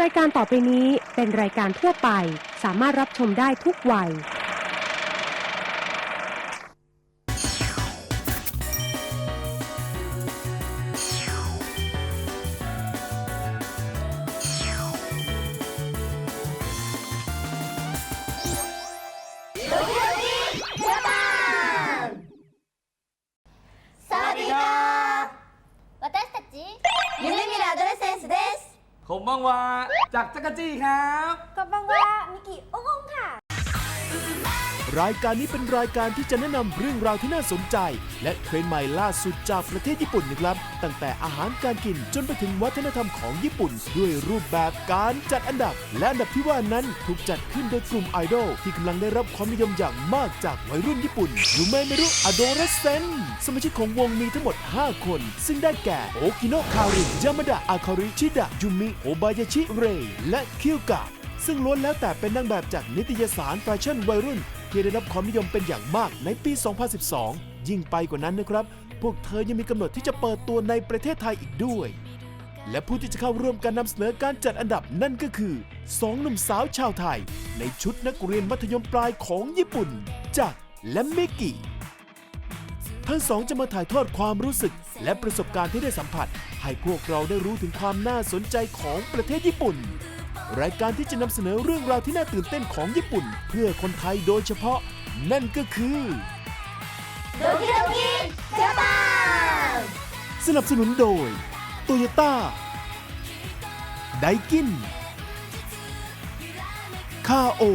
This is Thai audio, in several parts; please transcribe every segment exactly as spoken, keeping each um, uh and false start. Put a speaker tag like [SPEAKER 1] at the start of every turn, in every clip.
[SPEAKER 1] ายการต่อไปนี้เป็นรายการทั่วไปสามารถรับชมได้ทุกวัย
[SPEAKER 2] สวัสดีครับ私たちゆるみるアドレセンスです
[SPEAKER 3] ผมบังวาจากจักรจี้ครับ
[SPEAKER 2] こんばんはมิกิโอมค่ะ
[SPEAKER 4] รายการนี้เป็นรายการที่จะแนะนำเรื่องราวที่น่าสนใจและเทรนด์ใหม่ล่าสุดจากประเทศญี่ปุ่นนะครับตั้งแต่อาหารการกินจนไปถึงวัฒนธรรมของญี่ปุ่นด้วยรูปแบบการจัดอันดับและอันดับที่ว่านั้นถูกจัดขึ้นโดยกลุ่มไอดอลที่กำลังได้รับความนิยมอย่างมากจากวัยรุ่นญี่ปุ่นยูเมเมรุอโดเรเซนสมาชิกของวงมีทั้งหมดห้าคนซึ่งได้แก่โอกิโนะคาริยามาดะอาคาริชิดะยูมิโอบายาชิเรและคิวกะซึ่งล้วนแล้วแต่เป็นนางแบบจากนิตยสารแฟชั่นวัยรุ่นที่ได้รับความนิยมเป็นอย่างมากในปี สองพันสิบสอง ยิ่งไปกว่านั้นนะครับ พวกเธอยังมีกำหนดที่จะเปิดตัวในประเทศไทยอีกด้วย และผู้ที่จะเข้าร่วมการนำเสนอการจัดอันดับนั่นก็คือสองหนุ่มสาวชาวไทยในชุดนักเรียนมัธยมปลายของญี่ปุ่นจักรและมิกิทั้งสองจะมาถ่ายทอดความรู้สึกและประสบการณ์ที่ได้สัมผัสให้พวกเราได้รู้ถึงความน่าสนใจของประเทศญี่ปุ่นรายการที่จะนำเสนอเรื่องราวที่น่าตื่นเต้นของญี่ปุ่นเพื่อคนไทยโดยเฉพาะนั่นก็คือ
[SPEAKER 2] ドキドキジャパン
[SPEAKER 4] สนับสนุนโดยโตโยต้าไดกินคาโอ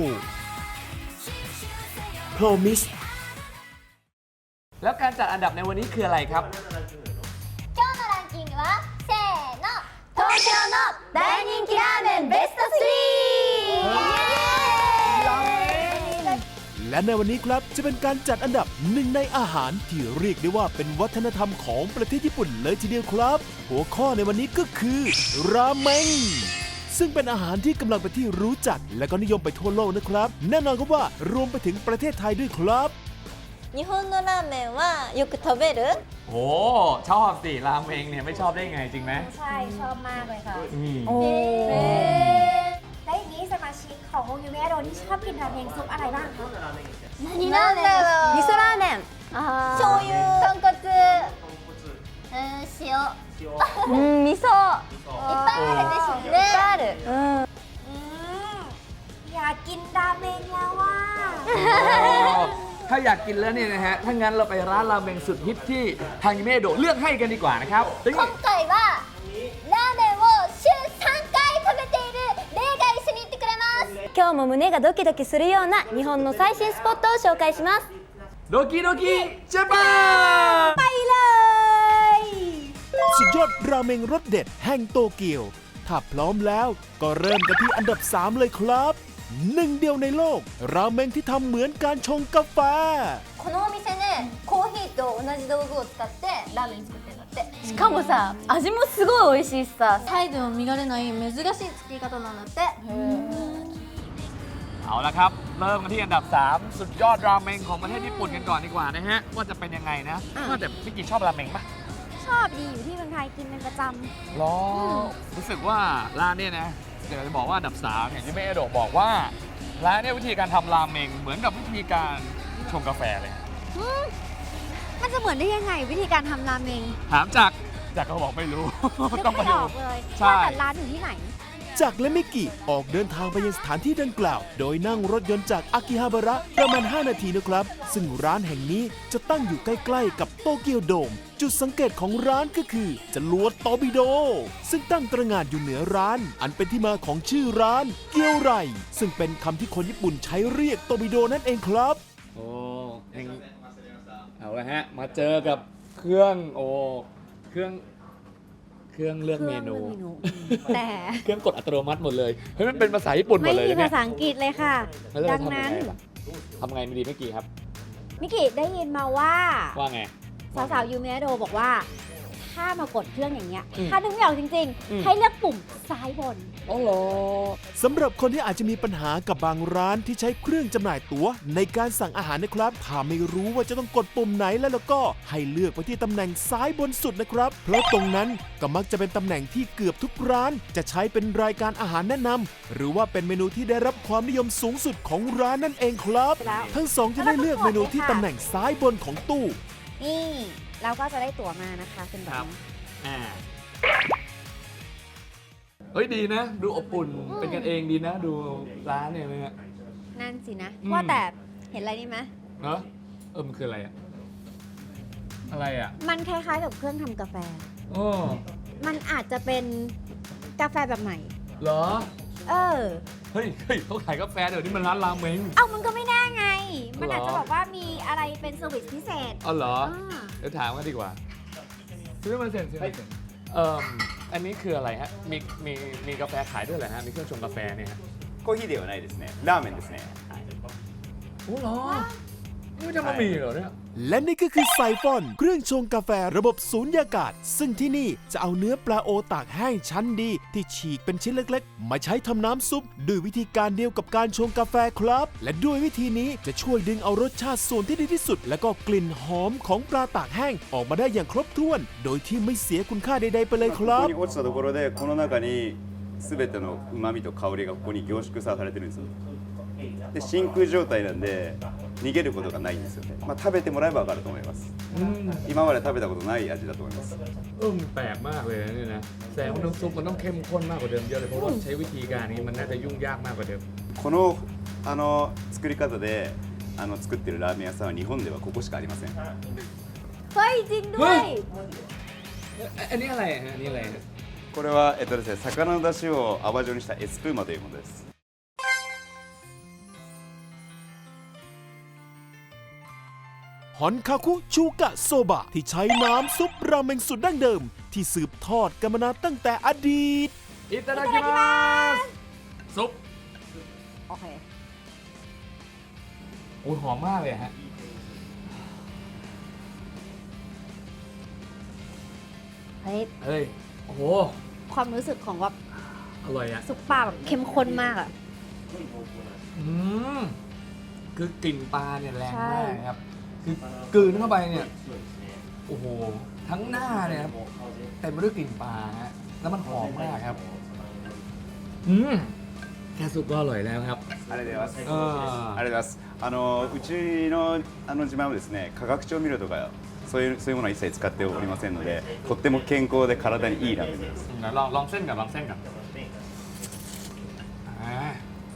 [SPEAKER 4] โพรมิส
[SPEAKER 3] แล้วการจัดอันดับในวันนี้คืออะไรครับ
[SPEAKER 2] 今日のランキングはせーの東京の大人気ラーメンベストスリー
[SPEAKER 4] และในวันนี้ครับจะเป็นการจัดอันดับหนึ่งในอาหารที่เรียกได้ว่าเป็นวัฒนธรรมของประเทศญี่ปุ่นเลยทีเดียวครับหัวข้อในวันนี้ก็คือราเมงซึ่งเป็นอาหารที่กำลังเป็นที่รู้จักและก็นิยมไปทั่วโลกนะครับแน่นอนครับว่ารวมไปถึงประเทศไทยด้วยครับ
[SPEAKER 2] 日本のラーメンはよく食べる
[SPEAKER 3] โอ้ชอบสิราเมงเนี่ยไม่ชอบได้ไงจริงไหม
[SPEAKER 5] ใช่ชอบมากเลยค่ะ
[SPEAKER 3] อืม
[SPEAKER 5] โอ้และอย่างนี้สมาชิกของวงยูเมะโดที่ชอบกินราเมงซุปอะไรบ้างคะ
[SPEAKER 2] 何ラーメン味噌ラーメン醤油豚骨うん塩うん味噌いっぱいあるでしょねいっぱいあるうん
[SPEAKER 5] อืมอยากกินราเมงแล้วว่า
[SPEAKER 3] ถ้าอยากกินแล้วเนี่ยนะฮะถ้างั้นเราไปร้านราเมงสุดฮิตที่ทางยูเมะโดะเลือกให้กันดีกว่านะครับ
[SPEAKER 2] 今回はラーメンを週さんかい食べているレイが一緒に行ってくれます今日も胸がドキドキするような日本の最新スポットを紹介します
[SPEAKER 3] โดกิโดกิเจแปน
[SPEAKER 2] ไปเลย
[SPEAKER 4] สุดยอดราเมงรสเด็ดแห่งโตเกียวถ้าพร้อมแล้วก็เริ่มกันที่อันดับสามเลยครับหนึ่งเดียวในโลกราเมงที่ทำเหมือนการชงกาแฟ
[SPEAKER 2] このお店ねコーヒーと同じ道具を使ってラーメン作ってるんだってしかもさ味もすごい美味しいしさサイズも見られない珍しい作り方なんだって
[SPEAKER 3] เอาละครับเริ่มกันที่อันดับสามสุดยอดราเมงของประเทศญี่ปุ่นกันก่อนดีกว่านะฮะว่าจะเป็นยังไงนะว่าแต่พี่กินชอบราเมงปะ
[SPEAKER 5] ชอบดีอยู่ที่เมืองไทยกินเป็นประจำ
[SPEAKER 3] หรอรู้สึกว่าร้านเนี่ยนะเดี๋ยวจะบอกว่าอันดับสามอย่างที่แม่เอโดะบอกว่าร้านเนี่ยวิธีการทำราเมงเหมือนกับวิธีการชงกาแฟเลย
[SPEAKER 5] มันจะเหมือนได้ยังไงวิธีการทำราเมง
[SPEAKER 3] ถามจากจากก็บอกไม่รู้ ต้องไป
[SPEAKER 5] ไม่
[SPEAKER 3] ดู
[SPEAKER 5] ออกเลย
[SPEAKER 3] ใช่
[SPEAKER 5] ว่าแต่ร้านอยู่ที่ไหน
[SPEAKER 4] จากและมิกิออกเดินทางไปยังสถานที่ดังกล่าว โดยนั่งรถยนต์จากอากิฮาบาระประมาณห้านาทีนะครับซึ่งร้านแห่งนี้จะตั้งอยู่ใกล้ๆกับโตเกียวโดมจุดสังเกตของร้านก็คือจรวดตอร์ปิโดซึ่งตั้งตระหง่านอยู่เหนือร้านอันเป็นที่มาของชื่อร้านเกียวไรซึ่งเป็นคำที่คนญี่ปุ่นใช้เรียกตอร์ปิโดนั่นเองครับ
[SPEAKER 3] โอ้เองเอาละฮะมาเจอกับเครื่องโอ้เครื่องเครื่องเลือกเมนู
[SPEAKER 5] แต่
[SPEAKER 3] เครื่องกดอัตโนมัติหมดเลยเฮ้ยมันเป็นภาษาญี่ปุ่นหม
[SPEAKER 5] ไม่
[SPEAKER 3] ดเลย
[SPEAKER 5] มี
[SPEAKER 3] นะเนี่
[SPEAKER 5] ภาย ษาอังกฤษเลยค่ะ
[SPEAKER 3] แล้วเรา
[SPEAKER 5] ดัง
[SPEAKER 3] ทำยั
[SPEAKER 5] นั้
[SPEAKER 3] ง
[SPEAKER 5] น
[SPEAKER 3] ไงล่ะทำไงไม่ดีเมื่อกี้ครับ
[SPEAKER 5] มิกิได้ยินมาว่า
[SPEAKER 3] ว่าไง
[SPEAKER 5] สาวๆยูเมะโดบอกว่าถ้ามากดเครื่องอย่างเงี้ย
[SPEAKER 3] อืม
[SPEAKER 5] ถ้านึกไม่ออกจริง
[SPEAKER 3] อืม
[SPEAKER 5] ๆ ให้เลือกปุ่มซ้ายบน
[SPEAKER 3] อ๋อเหรอ
[SPEAKER 4] สำหรับคนที่อาจจะมีปัญหากับบางร้านที่ใช้เครื่องจำหน่ายตั๋วในการสั่งอาหารนะครับถ้าไม่รู้ว่าจะต้องกดปุ่มไหนแล้วแล้วก็ให้เลือกไปที่ตำแหน่งซ้ายบนสุดนะครับ เพราะตรงนั้นก็มักจะเป็นตำแหน่งที่เกือบทุกร้านจะใช้เป็นรายการอาหารแนะนำหรือว่าเป็นเมนูที่ได้รับความนิยมสูงสุดของร้านนั่นเองครับ
[SPEAKER 5] แล้ว
[SPEAKER 4] ทั้งสองจะได้เลือกเมนูที่ตำแหน่งซ้ายบนของตู้
[SPEAKER 5] นี่เราก็จะได้ตั๋วมานะคะเป็นแบบนี้
[SPEAKER 3] อ่าเฮ้ยดีนะ ดูอบอุ่นเป็นกันเองดีนะ ดูร้านเนี่ยนะฮะ
[SPEAKER 5] นั่นสินะ
[SPEAKER 3] อืม
[SPEAKER 5] ว่าแต่เห็นอะไรนี่ไหม
[SPEAKER 3] เนอะเออมันคืออะไรอะอะไรอะ
[SPEAKER 5] มันคล้ายๆกับเครื่องทำกาแฟ
[SPEAKER 3] โอ้
[SPEAKER 5] มันอาจจะเป็นกาแฟแบบใหม่
[SPEAKER 3] เหรอ
[SPEAKER 5] เออ
[SPEAKER 3] เฮ้ยเฮ้ยเขาขายกาแฟเดี๋ยวนี้มันร้านรามเมง
[SPEAKER 5] เอ้ามันก็ไม่แน่ไง มันอาจ
[SPEAKER 3] เหรอ
[SPEAKER 5] จะบอกว่ามีอะไรเป็นเซอร์วิสพิเศษ
[SPEAKER 3] อ๋อเหรอ
[SPEAKER 5] อ่า
[SPEAKER 3] เดี๋ยวถามกันดีกว่าซื้อมาเสร็จซื้อมาเสร็จเอ่ออันนี้คืออะไรฮะ มีมีมีกาแฟขายด้วยเหรอฮะ มีเครื่องชงกาแฟเนี่ยฮะ
[SPEAKER 6] コーヒーではないですね。ラーメンですね。
[SPEAKER 3] โอ้เหรอนี่จะมามีเหรอเนี่ย
[SPEAKER 4] และนี่ก็คือไซฟอน เครื่องชงกาแฟระบบสูญญากาศ ซึ่งที่นี่จะเอาเนื้อปลาโอตากแห้งชั้นดี ที่ฉีกเป็นชิ้นเล็กๆ มาใช้ทำน้ำซุปด้วยวิธีการเดียวกับการชงกาแฟครับ และด้วยวิธีนี้จะช่วยดึงเอารสชาติส่วนที่ดีที่สุด และก็กลิ่นหอมของปลาตากแห้งออกมาได้อย่างครบถ้วน โดยที่ไม่เสียคุณค่าใดๆไปเลยค
[SPEAKER 6] こ
[SPEAKER 4] รั
[SPEAKER 6] こ
[SPEAKER 4] บ
[SPEAKER 6] に落ちたところでこの中に全ての旨味と香りがここに凝縮されてるんですよ。で真空状態なんで逃げることがないんですよね。まあ食べてもらえばわかると思います。
[SPEAKER 3] อืม
[SPEAKER 6] 今まで食べたことない味だと思います。
[SPEAKER 3] เออมันแปลกมากเลยนะนี่นะแสดงว่าน้ำซุปมันต้องเข้มข้นมากกว่าเดิมเยอะเลย เพราะว่าใช้วิธีการนี้มันน่าจะยุ่งยากมากกว่าเดิม
[SPEAKER 6] このあの作り方であの作ってるラーメン屋さんは日本ではここしかありません。
[SPEAKER 5] เฮ้ย จริงด้วย
[SPEAKER 3] อันนี้อะไรฮะอันนี้อะไรฮะ
[SPEAKER 6] これはえっとですね魚の出汁を泡状にしたエスプーマというものです。
[SPEAKER 4] ฮอนคาคุชูกะโซบะที่ใช้น้ำซุปราเมงสุดดั้งเดิม ที่สืบทอดกันมานานตั้งแต่อดีต
[SPEAKER 3] อิตาดากิมัสซุป
[SPEAKER 5] โอเค
[SPEAKER 3] โอ้ยหอมมากเลยฮะ
[SPEAKER 5] เฮ้ย
[SPEAKER 3] เฮ้ย โอ้โห
[SPEAKER 5] ความรู้สึกของว่า
[SPEAKER 3] อร่อยอะ
[SPEAKER 5] ซุปปลาแบบเข้มข้นมากอะ
[SPEAKER 3] อืมคือกลิ่นปลาเนี่ยแรง
[SPEAKER 5] ใช่
[SPEAKER 3] มากครับ คือกลืนเข้าไปเนี่ย โอ้โห ทั้งหน้าเนี่ยครับเต็มไปด้วยกลิ่นปลาฮะ แล้วมันหอมมากครับ อืมแค่ซุปก็อร่อยแล้วครับ
[SPEAKER 6] ありがとうございます。
[SPEAKER 3] เออ
[SPEAKER 6] ありがとうございます。あのうちのあの自慢はですね、化学調味料とかそういうそういうものは一切使っておりませんので、とっても健康で体にいいラーメンです。
[SPEAKER 3] เดี๋ยวลองลองเส้นก่อนลองเส้นก่อนอ่า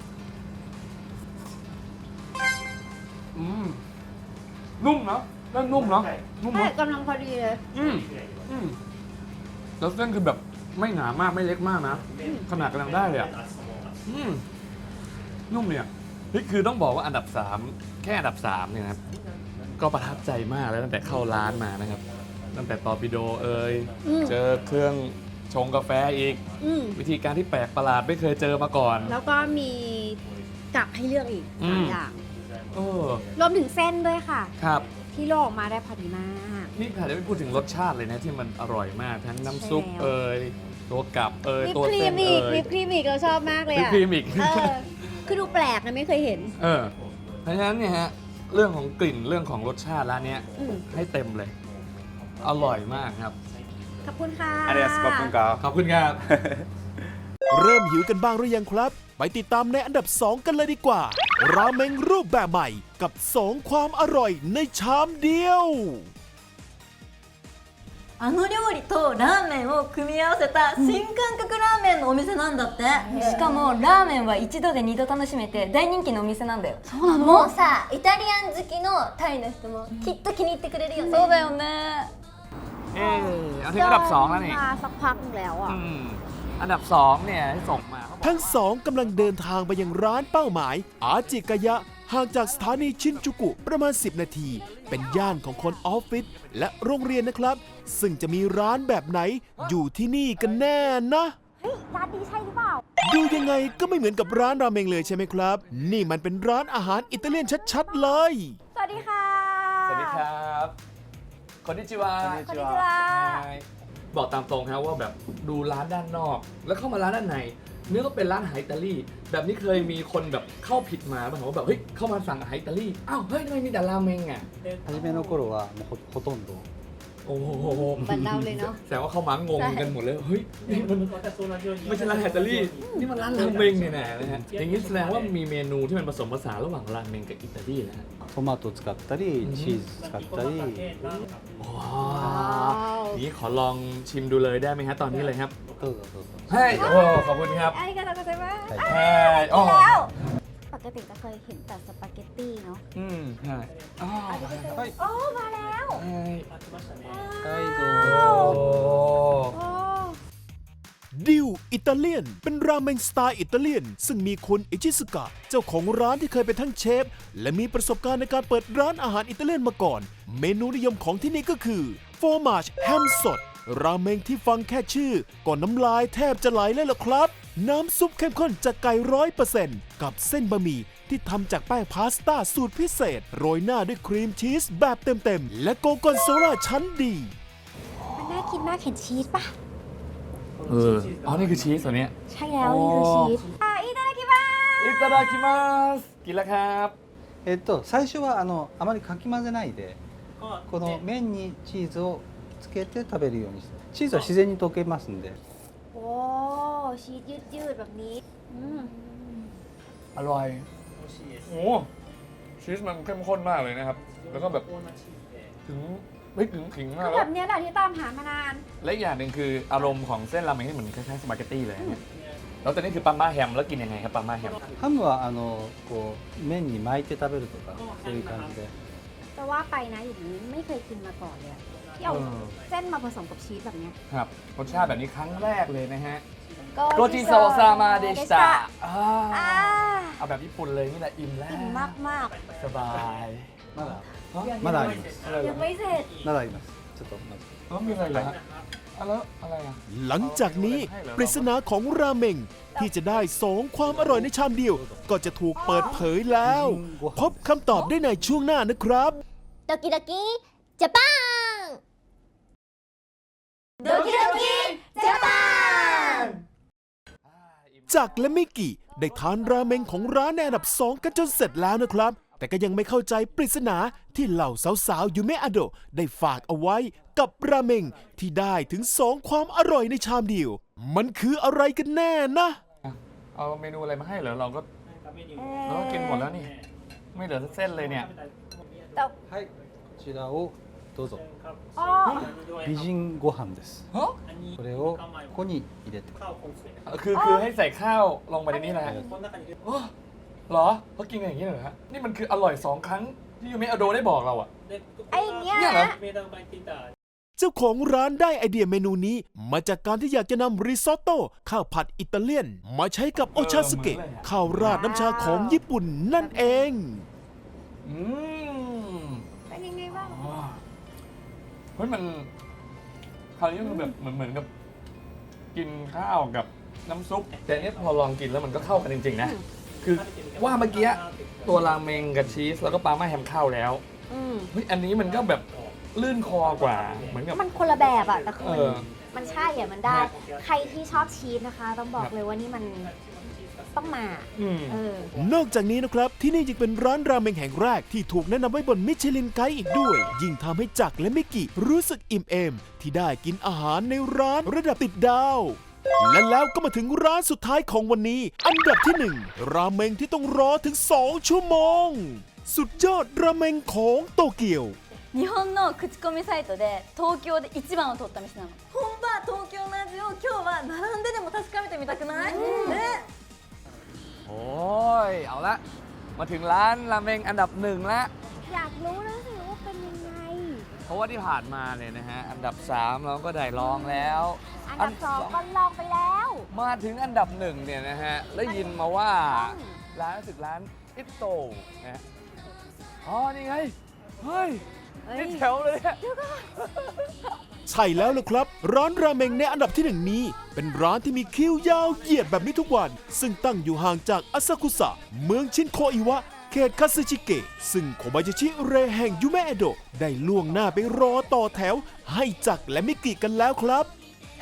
[SPEAKER 3] อืมนุ่มเนาะเส้นนุ่มเนาะนุ่ม
[SPEAKER 5] ใช่
[SPEAKER 3] เนาะ
[SPEAKER 5] กำลังพอดีเลย
[SPEAKER 3] อืมอืมแล้วเส้นคือแบบไม่หนามากไม่เล็กมากนะขนาดกำลังได้เลยอ่ะอืมนุ่มเนี่ยนี่คือต้องบอกว่าอันดับสามแค่อันดับสามเนี่ยนะครับก็ประทับใจมากแล้วตั้งแต่เข้าร้านมานะครับ ตั้งแต่ตอร์ปิโดเอ่ย
[SPEAKER 5] อืม
[SPEAKER 3] เจอเครื่องชงกาแฟอีก
[SPEAKER 5] อืม
[SPEAKER 3] วิธีการที่แปลกประหลาดไม่เคยเจอมาก่อน
[SPEAKER 5] แล้วก็มีกับให้เลือกอีก
[SPEAKER 3] อื
[SPEAKER 5] สาม
[SPEAKER 3] ม
[SPEAKER 5] อย่าง
[SPEAKER 3] เออ
[SPEAKER 5] รวมถึงเส้นด้วยค่ะ
[SPEAKER 3] ครับ
[SPEAKER 5] ที่โลกออกมาได้พอดีมาก
[SPEAKER 3] นี่ค่ะจะไม่พูดถึงรสชาติเลยนะที่มันอร่อยมากทั้งน้ำซุป
[SPEAKER 5] ใช่แล้ว
[SPEAKER 3] เอ่ยตัวกับเอ่ย
[SPEAKER 5] วิป
[SPEAKER 3] ตัว
[SPEAKER 5] ครี
[SPEAKER 3] เส้
[SPEAKER 5] ม
[SPEAKER 3] น
[SPEAKER 5] อี
[SPEAKER 3] เอ่
[SPEAKER 5] ก
[SPEAKER 3] ย
[SPEAKER 5] วิปครีมอีกเราชอบมากเลย
[SPEAKER 3] วิป
[SPEAKER 5] อะ
[SPEAKER 3] ครีมอีก
[SPEAKER 5] เออคือดูแปลกนะไม่เคยเห็น
[SPEAKER 3] เออเพราะฉะนั้นเนี่ยฮะเรื่องของกลิ่นเรื่องของรสชาติร้านเนี้ย
[SPEAKER 5] อืม
[SPEAKER 3] ให้เต็มเลย อร่อยมากครับ
[SPEAKER 5] ขอบคุณค่ะ
[SPEAKER 6] ありがとうございます。ขอบคุณครับ
[SPEAKER 3] ขอบคุณครับ
[SPEAKER 4] เริ่มหิวกันบ้างหรือยังครับ ไปติดตามในอันดับสองกันเลยดีกว่า ราเมงรูปแบบใหม่กับสองความอร่อยในชามเดียว
[SPEAKER 7] あの料理とラーメンを組み合わせた新感覚ラーメンのお店なんだって、しかもラーメンは一度で二度楽しめて大人気のお店なんだよ。そうな
[SPEAKER 2] もうさイタリアン好きのタイの人もきっと気に入ってくれるよね
[SPEAKER 7] そうだよね。
[SPEAKER 3] เออเอาถึงอันดับสองแล้วนี่
[SPEAKER 5] มาสักพักหนึ่งแล้วอ่ะ
[SPEAKER 3] อืมอันดับสองเนี่ยที่ส่งมาเขาบอก
[SPEAKER 4] ทั้งสองกำลังเดินทางไปยังร้านเป้าหมาย อาจิกายะห่างจากสถานีชินจูกุประมาณ สิบ นาที เป็นย่านของคนออฟฟิศและโรงเรียนนะครับ ซึ่งจะมีร้านแบบไหนอยู่ที่นี่กันแน่นะ
[SPEAKER 5] เฮ้ย ร้านนี้ใช่หรือเปล่า
[SPEAKER 4] ดูยังไงก็ไม่เหมือนกับร้านราเมงเลยใช่ไหมครับ นี่มันเป็นร้านอาหารอิตาเลียนชัดๆเลย
[SPEAKER 5] สวัสดีค่ะ
[SPEAKER 3] สวัสดีครับคนนิจิวา
[SPEAKER 5] こんにちは
[SPEAKER 3] บอกตามตรงครับว่าแบบดูร้านด้านนอก แล้วเข้ามาร้านด้านในเนื้อก็เป็นร้านอาหารอิตาลีแบบนี้เคยมีคนแบบเข้าผิดมาบ้างว่าแบบเฮ้ยเข้ามาสั่งอาหารอิตาลีอ้าวเฮ้ยทำไมมีแต่ราเมงอ่ะ
[SPEAKER 8] 初めの頃はもうほほとんど
[SPEAKER 3] โอ้โห
[SPEAKER 2] เหมือนเราเลยเนาะ
[SPEAKER 3] แสดงว่าเข้ามางงกันหมดเลยเฮ้ยนี่มันไม่ใช่ร้านอาหารอิตาลีนี่มันร้านราเมงเนี่ยนะนะฮะอย่างนี้แสดงว่ามีเมนูที่มันผสมผสานระหว่างราเมงกับอิตาลีนะฮะ
[SPEAKER 8] トマト使ったりチーズ使ったり
[SPEAKER 3] ว้าวนี่ขอลองชิมดูเลยได้ไหมฮะตอนนี้เลยครับ
[SPEAKER 8] どうぞどうぞ
[SPEAKER 3] เฮ้ยโอ้ขอบคุณครับ
[SPEAKER 5] อาริกาโตโกไซมาส
[SPEAKER 8] はい
[SPEAKER 3] เฮ้ยโอ้
[SPEAKER 5] แล้ว
[SPEAKER 2] ปกติจะเคยเห็นแต่สปาเกตตี้เนาะ
[SPEAKER 3] อืมใช่อ๋อ
[SPEAKER 5] โอ้มาแล้ว
[SPEAKER 3] เฮ้ย
[SPEAKER 8] はいど
[SPEAKER 3] โอ้
[SPEAKER 8] うぞ
[SPEAKER 5] โอ้
[SPEAKER 4] ดิวอิตาเลียนเป็นราเมงสไตล์อิตาเลียน ซึ่งมีคุณอิชิสึกะเจ้าของร้านที่เคยเป็นทั้งเชฟ และมีประสบการณ์ในการเปิดร้านอาหารอิตาเลียนมาก่อน เมนูนิยมของที่นี่ก็คือฟอร์มาชแฮมสด ราเมงที่ฟังแค่ชื่อก็น้ำลายแทบจะไหลเลยล่ะครับ น้ำซุปเข้มข้นจากไก่ร้อยเปอร์เซ็นต์กับเส้นบะหมี่ที่ทำจากแป้งพาสต้าสูตรพิเศษ โรยหน้าด้วยครีมชีสแบบเต็มๆและโกกอนโซล่าชั้นดี
[SPEAKER 5] มันน่ากินมากเห็นชีสปะ
[SPEAKER 3] เอออ๋อนี่คือชีสตัวเนี้ย
[SPEAKER 5] ใช่แล้วนี่คือชีสอ่ะอิตาลีมา
[SPEAKER 3] อิตาดาคิมัสกินแล้วครับ
[SPEAKER 8] えっと最初はあのあまりかき混ぜないでこの麺にチーズをつけて食べるようにしてチーズは自然に溶けますんで
[SPEAKER 5] โอ้ชีสยืดๆแบบนี้อืม
[SPEAKER 3] อร่อยโอ้ชีสมันเข้มข้นมากเลยนะครับ แล้วก็แบบถึงไม่ถึงขิงมาก
[SPEAKER 5] ก็
[SPEAKER 3] แล้
[SPEAKER 5] แบ
[SPEAKER 3] ว
[SPEAKER 5] บเนี้ยแหละที่ตามหามานาน
[SPEAKER 3] และอีกอย่างหนึ่งคืออารมณ์ของเส้นราเมงที่เหมือนคล้ายๆสปาเกตตี้เลยเนี่ยแล้วตอนนี้คือปาม่าแฮมแล้วกินยังไงครับปาม่าแฮม
[SPEAKER 8] ハムはあのこう麺に巻いて食べるとかそういう感じで
[SPEAKER 2] จะว่าไปนะอย่างนี้ไม่เคยกินมาก่อนเลยอะที่เอา
[SPEAKER 3] เออ
[SPEAKER 2] เส้นมาผสมกับชีสแบบเนี้ย
[SPEAKER 3] ครับรสชาติแบบนี้ครั้งแรกเลยนะฮะ
[SPEAKER 5] โก
[SPEAKER 3] โรจิโซซามาเดชิตะ
[SPEAKER 5] อ่า
[SPEAKER 3] เอาแบบญี่ปุ่นเลยนี่แหละอิ่มแล้ว
[SPEAKER 2] อิ่มมากมาก
[SPEAKER 3] สบาย
[SPEAKER 8] まだまだあります
[SPEAKER 5] ยังไม่เสร็จ
[SPEAKER 8] まだありますちょっと待って
[SPEAKER 3] แล้วมีอะไรเหรอฮะอ่ะแล้วอะไรอ่ะ
[SPEAKER 4] หลังจากนี้ปริศนาของราเมงที่จะได้สองความอร่อยในชามเดียว ก็จะถูกเปิดเผยแล้ว พบคำตอบได้ในช่วงหน้านะครับ
[SPEAKER 2] ドキドキジャパンドキドキジャパン
[SPEAKER 4] จากและมิกิได้ทานราเมงของร้านในอันดับสองกันจนเสร็จแล้วนะครับ แต่ก็ยังไม่เข้าใจปริศนาที่เหล่าสาวๆยูเมะอาโดะได้ฝากเอาไว้กับราเมงที่ได้ถึงสองความอร่อยในชามเดียว มันคืออะไรกันแน่นะ
[SPEAKER 3] เอาเมนูอะไรมาให้เหรอเราก็เราก็กินหมดแล้วนี่ ไม่เหลือสักเส้นเลยเนี่ย
[SPEAKER 8] はいこちらをどうぞ
[SPEAKER 5] อ๋อ
[SPEAKER 8] 美人ご飯です
[SPEAKER 3] ฮะ
[SPEAKER 8] これをここに入れて
[SPEAKER 3] คือคือให้ใส่ข้าวลงไปในนี้แหละโอ้เหรอเขากินกันอย่างนี้เหรอฮะนี่มันคืออร่อยสองครั้งที่ยูเมะอโดได้บอกเราอะ
[SPEAKER 5] ไอ้เนี้ย
[SPEAKER 3] เนี่ยเหรอ
[SPEAKER 4] เจ้าของร้านได้ไอเดียเมนูนี้ มาจากการที่อยากจะนำริซอตโต้ข้าวผัดอิตาเลียน มาใช้กับโอชาสึเกะข้าวราดน้ำชาของญี่ปุ่นนั่นเอง
[SPEAKER 3] อืม
[SPEAKER 5] เป็นยังไงบ้าง
[SPEAKER 3] อ๋อเฮ้ยมันคราวนี้มันแบบเหมือนเหมือนกับกินข้าวกับน้ำซุป แต่อันเนี้ยพอลองกินแล้วมันก็เข้ากันจริงๆนะ คือว่าเมื่อกี้ตัวราเมงกับชีสแล้วก็ปาม่าแฮมเข้าแล้ว
[SPEAKER 2] อืม
[SPEAKER 3] เฮ้ยอันนี้มันก็แบบลื่นคอกว่าเหมือนกับ
[SPEAKER 2] มันคนละแบบอะแต่คือ
[SPEAKER 3] เอ
[SPEAKER 2] มัน
[SPEAKER 3] อ
[SPEAKER 2] มันใช่อะมันได้
[SPEAKER 3] ครับ
[SPEAKER 2] ใครที่ชอบชีสนะคะ ต้องบอ
[SPEAKER 3] ค
[SPEAKER 2] ก
[SPEAKER 3] รับ
[SPEAKER 2] เลยว่านี่มันต้องมา
[SPEAKER 3] อืม
[SPEAKER 2] เออ
[SPEAKER 4] นอกจากนี้นะครับ ที่นี่ยังเป็นร้านราเมงแห่งแรกที่ถูกแนะนำไว้บนมิชลินไกด์อีกด้วย ยิ่งทำให้จักรและมิกิรู้สึกอิ่มเอม ที่ได้กินอาหารในร้านระดับติดดาว และแล้วก็มาถึงร้านสุดท้ายของวันนี้ อันดับที่หนึ่งราเมงที่ต้องรอถึงสองชั่วโมง สุดยอดราเมงของโตเกียว
[SPEAKER 7] 日本の口コミサイトで東京で一番を取った店なの本場東京の味を今日は並んででも確かめてみたくないね
[SPEAKER 3] โอ้ยเอาละมาถึงร้านราเมงอันดับหนึ่งละ
[SPEAKER 2] อยากรู้แล้วสิว่าเป็นยังไง
[SPEAKER 3] เพราะว่าที่ผ่านมาเนี่ยนะฮะอันดับสามเราก็ได้ลองแล้ว
[SPEAKER 2] อันดับสองก็ลองไปแล้ว
[SPEAKER 3] มาถึงอันดับหนึ่งเนี่ยนะฮะแล้วยินมาว่าร้านรู้สึกร้านอิโตนะฮะอ๋อนี่ไงเฮ้ยนี่แถวเลยอะ
[SPEAKER 4] ใช่แล้วล่ะครับ ร้านราเมงในอันดับที่หนึ่งนี้ เป็นร้านที่มีคิวยาวเหยียดแบบนี้ทุกวัน ซึ่งตั้งอยู่ห่างจากอาซากุสะเมืองชินโคอิวะ เขตคาซึชิเกะซึ่งโคบายาชิเรแห่งยูเมะเอโดะได้ล่วงหน้าไปรอต่อแถว ให้จักรและมิกิกันแล้วครับ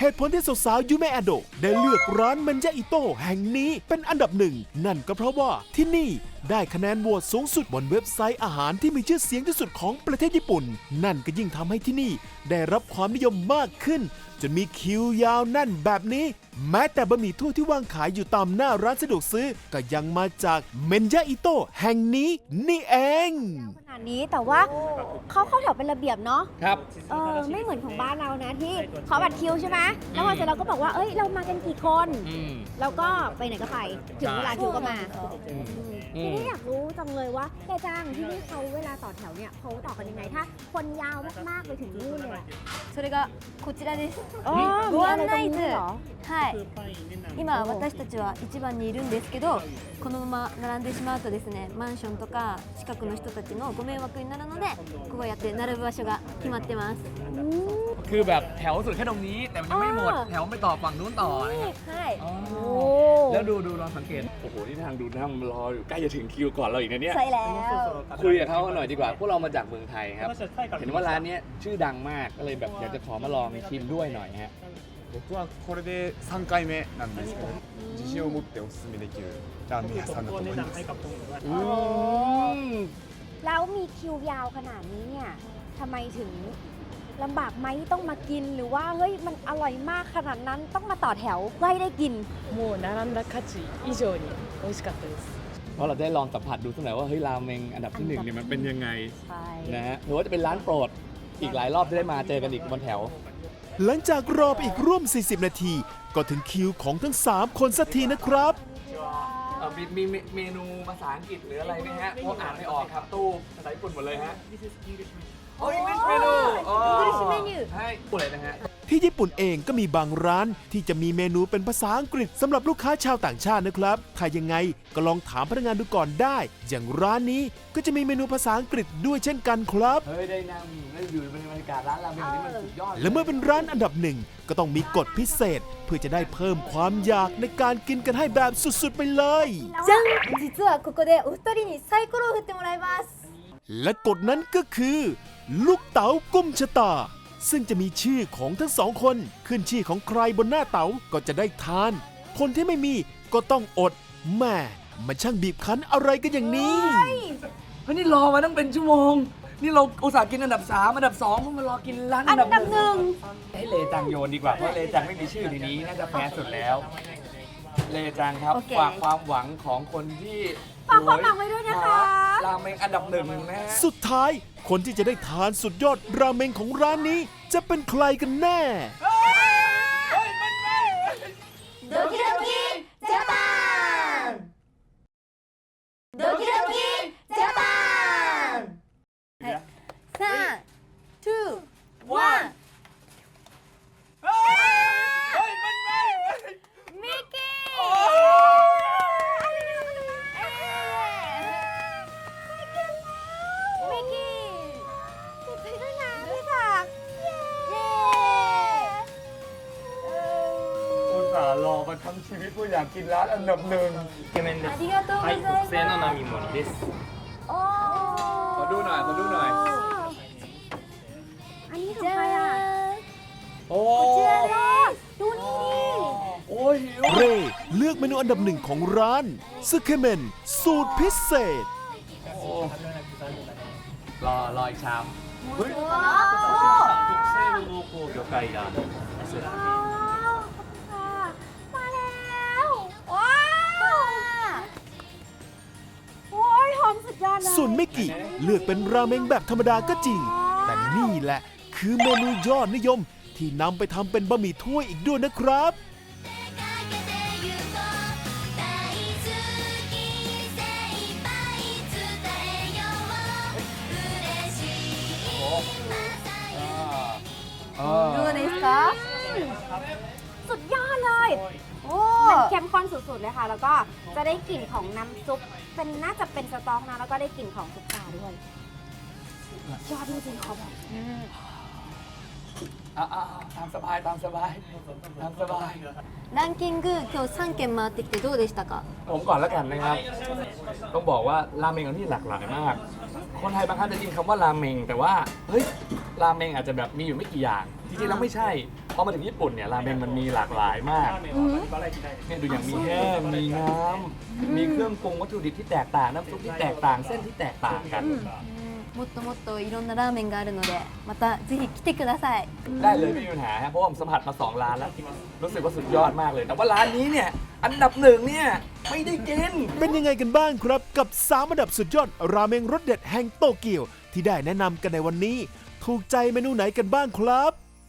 [SPEAKER 4] เหตุผลที่สาวๆยูเมะอาโดะได้เลือกร้านเมนยาอิโต้แห่งนี้เป็นอันดับหนึ่งนั่นก็เพราะว่าที่นี่ได้คะแนนโหวตสูงสุดบนเว็บไซต์อาหารที่มีชื่อเสียงที่สุดของประเทศญี่ปุ่นนั่นก็ยิ่งทำให้ที่นี่ได้รับความนิยมมากขึ้นจนมีคิวยาวแน่นแบบนี้แม้แต่บะหมี่ถ้วยที่วางขายอยู่ตามหน้าร้านสะดวกซื้อก็ยังมาจากเมนยาอิโต้แห่งนี้นี่เอง
[SPEAKER 5] ขนาดนี้แต่ว่าเขาเข้าแถวเป็นระเบียบเนาะ
[SPEAKER 3] ครับ
[SPEAKER 5] เออไม่เหมือนของบ้านเรานะที่ขอบัตรคิวใช่ไหมแล้วพอเสร็จเราก็บอกว่าเอ้ยเรามากันกี่คน
[SPEAKER 3] อืม
[SPEAKER 5] แล้วก็ไปไหนก็ไปถึงเวลาคิวก็มา
[SPEAKER 3] อืม
[SPEAKER 5] ทีนี้อยากรู้จังเลยว่าแกจ้างที่นี่เขาเวลาต่อแถวเนี่ยเขาต่อกันยังไงถ้าคนยาวมากๆไปถึงนู่นเลยอะ
[SPEAKER 7] それがこちらです
[SPEAKER 5] อ๋อ
[SPEAKER 7] ご
[SPEAKER 5] มีอะไร
[SPEAKER 7] 案
[SPEAKER 5] ตรง
[SPEAKER 7] 内
[SPEAKER 5] นี้
[SPEAKER 7] 図
[SPEAKER 5] เหรอ
[SPEAKER 7] はい今私たちはいちばんにいるんですけどこのまま並んでしまうとですねマンションとか近くの人たちのご迷惑になるのでこうやって並ぶ場所が決まってます
[SPEAKER 3] คือแบบแถวสุดแค่ตรงนี้ แต่มันยังไม่หมด
[SPEAKER 5] อ่า
[SPEAKER 3] แถวไม่ต่อฝั่งนู้นต่อนะครับ
[SPEAKER 7] はい
[SPEAKER 3] อ๋อ
[SPEAKER 5] โอ้
[SPEAKER 3] แล้วดูดูลองสังเกต โอ้โห นี่ทางดูนั่งรออยู่ใกล้จะถึงคิวก่อนเราอีกนะเนี่ย
[SPEAKER 7] ใช่แล้ว
[SPEAKER 3] คุยกับเขาหน่อยดีกว่า พวกเรามาจากเมืองไทยครับ เห็นว่าร้านเนี้ยชื่อดังมาก ก็เลยแบบอยากจะขอมาลองชิมด้วยหน่อยฮะ
[SPEAKER 9] 僕はこれでさんかいめなんですけど自信を持っておすすめできるラーメン屋さんだと思います
[SPEAKER 3] อืม
[SPEAKER 5] แล้วมีคิวยาวขนาดนี้เนี่ยทำไมถึงลำบากไหมต้องมากินหรือว่าเฮ้ยมันอร่อยมากขนาดนั้นต้องมาต่อแถวเพื่อให้ได้กิน
[SPEAKER 10] もう並んだ価値以上に美味しかったです。
[SPEAKER 3] เพราะเราได้ลองสัมผัสดูสักหน่อยว่าเฮ้ยราเมงอันดับที่หนึ่งเนี่ยมันเป็นยังไง
[SPEAKER 5] ใช่
[SPEAKER 3] นะฮะหรือว่าจะเป็นร้านโปรดอีกหลายรอบจะได้มาเจอกันอีกบนแถว
[SPEAKER 4] หลังจากรอไปอีกร่วม สี่สิบ นาที ก็ถึงคิวของทั้ง สาม คนสักทีนะครับ
[SPEAKER 3] เอ่อมีมีเมนูภาษาอังกฤษหรืออะไรไหมฮะเพราะอ่านไม่ออกครับตู้ภาษาญี่ปุ่นหมดเลยฮะโอ้ย English menu อ๋อ
[SPEAKER 7] English menu
[SPEAKER 3] ให้พูดเลยนะฮะ
[SPEAKER 4] ที่ญี่ปุ่นเองก็มีบางร้านที่จะมีเมนูเป็นภาษาอังกฤษสำหรับลูกค้าชาวต่างชาตินะครับ ถ้ายังไงก็ลองถามพนักงานดูก่อนได้ อย่างร้านนี้ก็จะมีเมนูภาษาอังกฤษด้วยเช่นกันครับ
[SPEAKER 3] เฮ้ยได้นั่งได้อยู่ในบรรยากาศร้านราเมงนี่มันสุดยอด
[SPEAKER 4] และเมื่อเป็นร้านอันดับหนึ่งก็ต้องมีกฎพิเศษ เพื่อจะได้เพิ่มความอยากในการกินกันให้แบบสุดๆไปเลย
[SPEAKER 7] じゃん実はここでお二人にサイコロを振ってもらいます
[SPEAKER 4] และกฎนั้นก็คือ ลูกเต๋ากุมชะตา ซึ่งจะมีชื่อของทั้งสองคนขึ้นชื่อของใครบนหน้าเต๋าก็จะได้ทาน คนที่ไม่มีก็ต้องอดแม่มันช่างบีบคั้นอะไรกันอย่างนี้
[SPEAKER 3] เฮ้ยนี่รอมาตั้งเป็นชั่วโมง นี่เราอุตส่าห์กินอันดับสามอันดับสองเพิ่งมารอกินร้านอันดับหนึ่งให้เลจังโยนดีกว่าเพราะเลจังไม่มีชื่อในนี้น่าจะแพ้สุดแล้ว เลจังครับ
[SPEAKER 7] โอเค
[SPEAKER 3] ฝากความหวังของคนที่
[SPEAKER 5] ฝากความหวังไว้ด้วยนะคะ
[SPEAKER 3] ราเมงอันดับหนึ่งนะฮะ
[SPEAKER 4] สุดท้ายคนที่จะได้ทานสุดยอดราเมงของร้านนี้จะเป็นใครกันแน่
[SPEAKER 7] ドキドキジャパンドキドキジャパンはいさん、に、いちミッキー
[SPEAKER 5] มิกกี้ติดไปด้วยนะพี่ผักเย้
[SPEAKER 3] อุตส่าห์รอมาทั้งชีวิตเพื่ออยากกินร้านอันดับหนึ่ง
[SPEAKER 7] ありがとうございます
[SPEAKER 10] 製の並盛りです。
[SPEAKER 5] โอ้
[SPEAKER 3] ขอดูหน่อยขอดูหน่อย
[SPEAKER 5] อันนี้ของ
[SPEAKER 7] じ
[SPEAKER 5] ใครอ่ะ
[SPEAKER 7] ゃーん
[SPEAKER 3] โอ้
[SPEAKER 7] こちらです
[SPEAKER 5] ดูนี่ดิ
[SPEAKER 3] โอ้ยหิว
[SPEAKER 4] เรเลือกเมนูอันดับหนึ่งของร้านซึเคเมนสูตรพิเศษ
[SPEAKER 3] โอ้รอรออีกชามเฮ้ย
[SPEAKER 10] 特製の濃厚魚介ラーメン。
[SPEAKER 5] ว้าวค่ะมาแล้วว้าวโอ้ยหอมสุดยอดเลย
[SPEAKER 4] ส่วนมิกิเลือกเป็นราเมงแบบธรรมดาก็จริง แต่นี่แหละคือเมนูยอดนิยมที่นำไปทำเป็นบะหมี่ถ้วยอีกด้วยนะครับ
[SPEAKER 7] どうですか
[SPEAKER 5] สุดยอดเลย
[SPEAKER 7] โอ้
[SPEAKER 5] มันเข้มข้นสุดๆเลยค่ะ แล้วก็จะได้กลิ่นของน้ำซุป เป็นน่าจะเป็นสต๊อกนะ แล้วก็ได้กลิ่นของซุปตาด้วยยอดจริงๆเขาแบบ
[SPEAKER 3] อ่าตามสบายตามสบายตามสบาย
[SPEAKER 7] ランキング今日さんけん回ってきてどうでしたか
[SPEAKER 3] ผมก่อนแล้วกันนะครับ ต้องบอกว่าราเมงของที่หลากหลายมาก คนไทยบางครั้งจะยินคำว่าราเมง แต่ว่าเฮ้ยราเมงอาจจะแบบมีอยู่ไม่กี่อย่าง จริงๆแล้วไม่ใช่พอมาถึงญี่ปุ่นเนี่ยราเมงมันมีหลากหลายมากเนี่ยดูอย่างมีแห้งมีน้ำมีเครื่องปรุงวัตถุดิบที่แตกต่างน้ำซุปที่แตกต่างเส้นที่แตกต่างกัน
[SPEAKER 2] もっともっといろんなラーメンがあるのでまたぜひ来てください
[SPEAKER 3] ได้เลยไม่มีปัญหาฮะเพราะว่าผมสัมผัสมาสองร้านแล้วรู้สึกว่าสุดยอดมากเลย แต่ว่าร้านนี้เนี่ยอันดับหนึ่งเนี่ยไม่ได้กิน
[SPEAKER 4] เป็นยังไงกันบ้างครับกับสามอันดับสุดยอดราเมงรสเด็ดแห่งโตเกียวที่ได้แนะนำกันในวันนี้ ถูกใจเมนูไหนกันบ้างครับ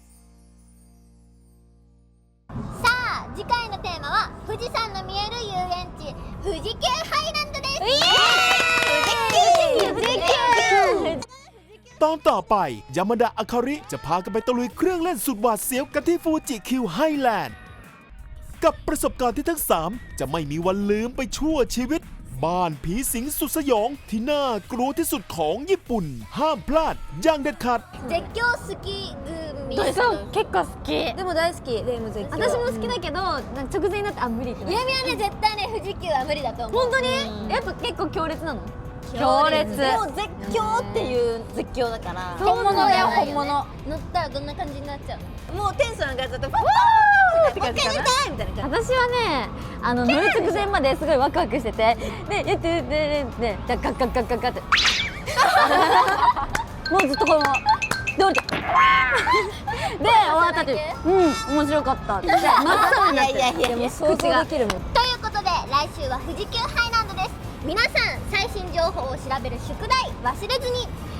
[SPEAKER 7] さあ次回のテーマは富士山の見える遊園地富士急ハイランドです富士急
[SPEAKER 4] ตอนต่อไปยามาดะอาคาริจะพากันไปตะลุยเครื่องเล่นสุดหวาดเสียวกันที่ฟูจิคิวไฮแลนด์กับประสบการณ์ที่ทั้งสามจะไม่มีวันลืมไปชั่วชีวิต บ้านผีสิงสุดสยองที่น่ากลัวที่สุดของญี่ปุ่น ห้ามพลาดอย่างเด็ดขาด
[SPEAKER 7] 絶叫好き組
[SPEAKER 2] そう結構好きでも大好きでも絶叫私も好きだけどなんか直前になってあ無理ってなる
[SPEAKER 7] ゆうみはね絶対ね富士急は無理だと思う
[SPEAKER 2] 本当にやっぱ結構強烈なの強烈
[SPEAKER 7] でも絶叫っていう絶叫だから
[SPEAKER 2] 本物だよ本物
[SPEAKER 7] 乗ったらどんな感じになっちゃうの
[SPEAKER 2] もうテンション上がっちゃってファーって感じかなみたいな感じ私はねあの乗る直前まですごいワクワクしててでやってででガッガッガッガッガッガッってもうずっとこので降りてで終わった後うん面白かったで真っ青になってでも想像できるもん
[SPEAKER 7] ということで来週は富士急ハイランドです皆さん最新情報を調べる宿題忘れずに